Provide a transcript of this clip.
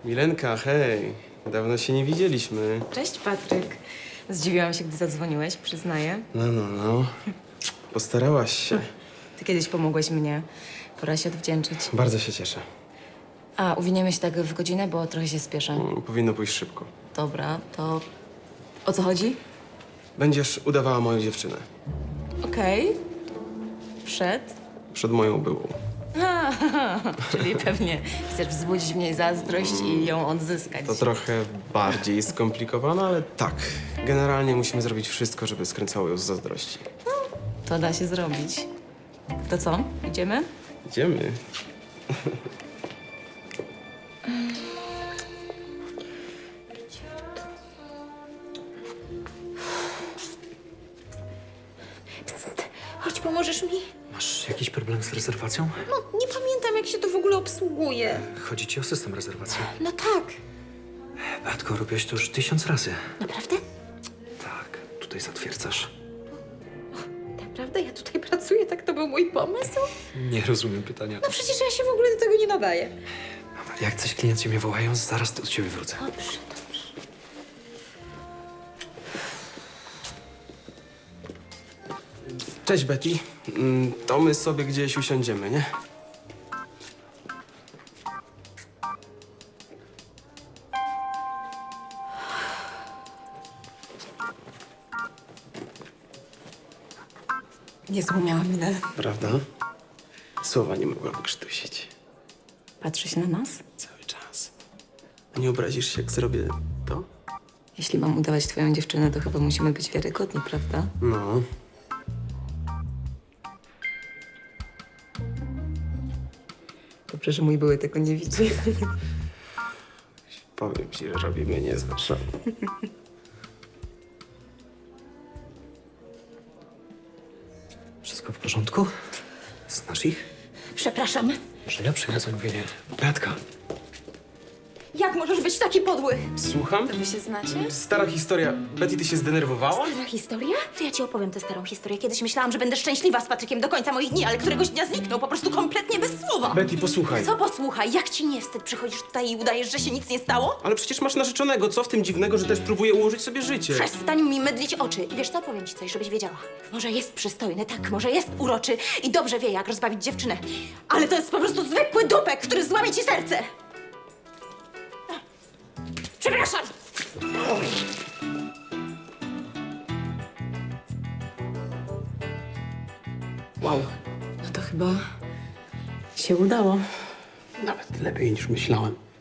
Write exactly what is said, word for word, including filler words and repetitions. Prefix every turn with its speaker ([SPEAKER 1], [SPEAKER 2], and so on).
[SPEAKER 1] Milenka, hej. Dawno się nie widzieliśmy.
[SPEAKER 2] Cześć, Patryk. Zdziwiłam się, gdy zadzwoniłeś, przyznaję.
[SPEAKER 1] No, no, no. Postarałaś się.
[SPEAKER 2] Ty kiedyś pomogłeś mnie. Pora się odwdzięczyć.
[SPEAKER 1] Bardzo się cieszę.
[SPEAKER 2] A, uwiniemy się tak w godzinę, bo trochę się spieszę.
[SPEAKER 1] Mm, Powinno pójść szybko.
[SPEAKER 2] Dobra, to o co chodzi?
[SPEAKER 1] Będziesz udawała moją dziewczynę.
[SPEAKER 2] Okej. Przed?
[SPEAKER 1] Przed moją byłą.
[SPEAKER 2] Czyli pewnie chcesz wzbudzić w niej zazdrość i ją odzyskać.
[SPEAKER 1] To trochę bardziej skomplikowane, ale tak. Generalnie musimy zrobić wszystko, żeby skręcało ją z zazdrości.
[SPEAKER 2] To da się zrobić. To co? Idziemy?
[SPEAKER 1] Idziemy.
[SPEAKER 3] Psst, chodź, pomożesz mi?
[SPEAKER 4] Masz jakiś problem z rezerwacją?
[SPEAKER 3] No, nie pamiętam, jak się to w ogóle obsługuje.
[SPEAKER 4] Chodzi ci o system rezerwacji.
[SPEAKER 3] No tak.
[SPEAKER 4] Beatko, robiłeś to już tysiąc razy.
[SPEAKER 3] Naprawdę?
[SPEAKER 4] Tak, tutaj zatwierdzasz.
[SPEAKER 3] Naprawdę? Ja tutaj pracuję, tak to był mój pomysł?
[SPEAKER 4] Nie rozumiem pytania.
[SPEAKER 3] No przecież ja się w ogóle do tego nie nadaję.
[SPEAKER 4] Jak coś klienci mnie wołają, zaraz do ciebie wrócę.
[SPEAKER 3] Dobrze, dobrze.
[SPEAKER 1] Cześć, Betty. Mm, To my sobie gdzieś usiądziemy, nie?
[SPEAKER 2] Nie złumiałam minę.
[SPEAKER 1] Prawda? Słowa nie mogła wykrztusić.
[SPEAKER 2] Patrzy się na nas?
[SPEAKER 1] Cały czas. A nie obrazisz się, jak zrobię to?
[SPEAKER 2] Jeśli mam udawać twoją dziewczynę, to chyba musimy być wiarygodni, prawda?
[SPEAKER 1] No.
[SPEAKER 2] Dobrze, że mój były tego nie widzi.
[SPEAKER 1] Powiem ci, że robimy niezłe show.
[SPEAKER 4] Wszystko w porządku? Znasz ich?
[SPEAKER 3] Przepraszam.
[SPEAKER 4] Że ja przyniosę mówienie. Beatka,
[SPEAKER 3] Jak możesz być taki podły?
[SPEAKER 1] Słucham?
[SPEAKER 2] Wy się znacie?
[SPEAKER 1] Stara historia. Betty, ty się zdenerwowała?
[SPEAKER 3] Stara historia? To ja ci opowiem tę starą historię. Kiedyś myślałam, że będę szczęśliwa z Patrykiem do końca moich dni, ale któregoś dnia zniknął po prostu kompletnie bez słowa.
[SPEAKER 1] Betty, posłuchaj.
[SPEAKER 3] Co posłuchaj, jak ci nie wstyd? Przychodzisz tutaj i udajesz, że się nic nie stało?
[SPEAKER 1] Ale przecież masz narzeczonego. Co w tym dziwnego, że też próbuje ułożyć sobie życie?
[SPEAKER 3] Przestań mi mydlić oczy. I wiesz co, powiem ci coś, żebyś wiedziała. Może jest przystojny, tak, może jest uroczy i dobrze wie, jak rozbawić dziewczynę. Ale to jest po prostu zwykły dupek, który złamie ci serce. Przepraszam!
[SPEAKER 2] Wow. No to chyba się udało.
[SPEAKER 1] Nawet lepiej niż myślałem.